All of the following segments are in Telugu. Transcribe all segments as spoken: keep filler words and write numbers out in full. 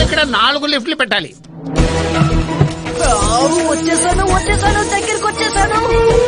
ఇక్కడ నాలుగు లిఫ్ట్లు పెట్టాలి. వచ్చేసాను వచ్చేసాను దగ్గరికి వచ్చేసాను.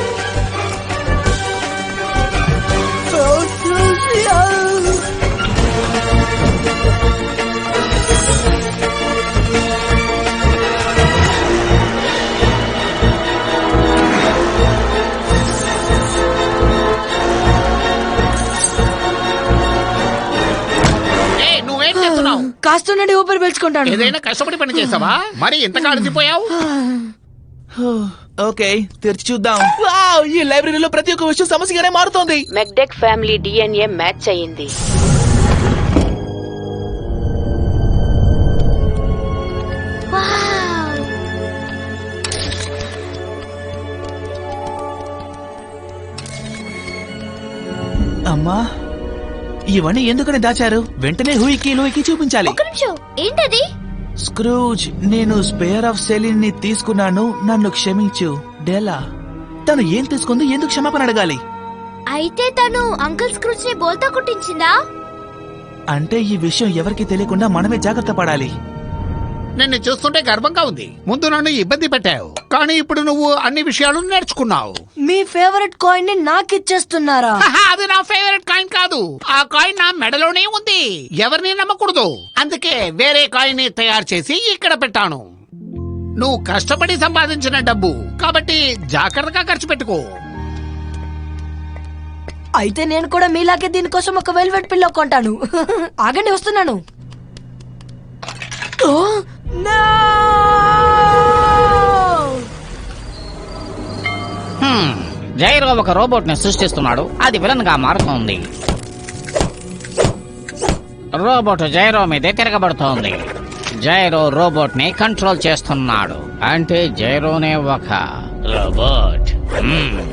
కాస్తుండండి ఊపిరి పీల్చుకుంటాను. ఏదైనా కష్టపడి పని చేసావా? మరి ఇంతగా అలసిపోయావు? ఓకే, తెరిచి చూద్దాం. వావ్, ఈ లైబ్రరీలో ప్రతి ఒక్క విషయం సమస్యగానే మారుతోంది. మెక్డెక్ ఫ్యామిలీ డిఎన్ఏ మ్యాచ్ అయ్యింది. అమ్మా, ఇవన్నీ ఎందుకని దాచారు? వెంటనే హూయికి లూయికి చూపించాలి. ఏంటది? స్క్రూజ్, నేను స్పేర్ ఆఫ్ సెలిన్ ని తీసుకున్నాను, నన్ను క్షమించు. డెలా, తను ఏం తీసుకుంది, ఎందుకు క్షమాపణ అడగాలి? అయితే తను అంకుల్ స్క్రూజ్ ని బోల్తా కుట్టించిందా? అంటే ఈ విషయం ఎవరికి తెలియకుండా మనమే జాగ్రత్త పడాలి. నిన్ను చూస్తుంటే గర్వంగా ఉంది. ముందు నన్ను ఇబ్బంది పెట్టావు, కానీ ఇప్పుడు నువ్వు అన్ని విషయాలు నేర్చుకున్నావు. మీ ఫేవరెట్ కాయిన్ ని నాకు ఇచ్చేస్తున్నారా? అది నా ఫేవరెట్ కాయిన్ కాదు. ఆ కాయిన్ నా మెడలోనే ఉంది. ఎవరిని నమ్మకూడదు. అందుకే వేరే కాయిన్ ని తయారు చేసి ఇక్కడ పెట్టాను. నువ్వు కష్టపడి సంపాదించిన డబ్బు కాబట్టి జాగ్రత్తగా ఖర్చు పెట్టుకో. అయితే నేను కూడా మీలాగే దీనికోసం ఒక వెల్వెట్ పిల్లో కొంటాను. ఆగండి, వస్తున్నాను. జైరో ఒక రోబోట్ ని సృష్టిస్తున్నాడు. అది విలన్ గా మారుతోంది. రోబోట్ జైరో మీదే తిరగబడుతోంది. జైరో రోబోట్ ని కంట్రోల్ చేస్తున్నాడు. అంటే జైరోనే ఒక రోబోట్.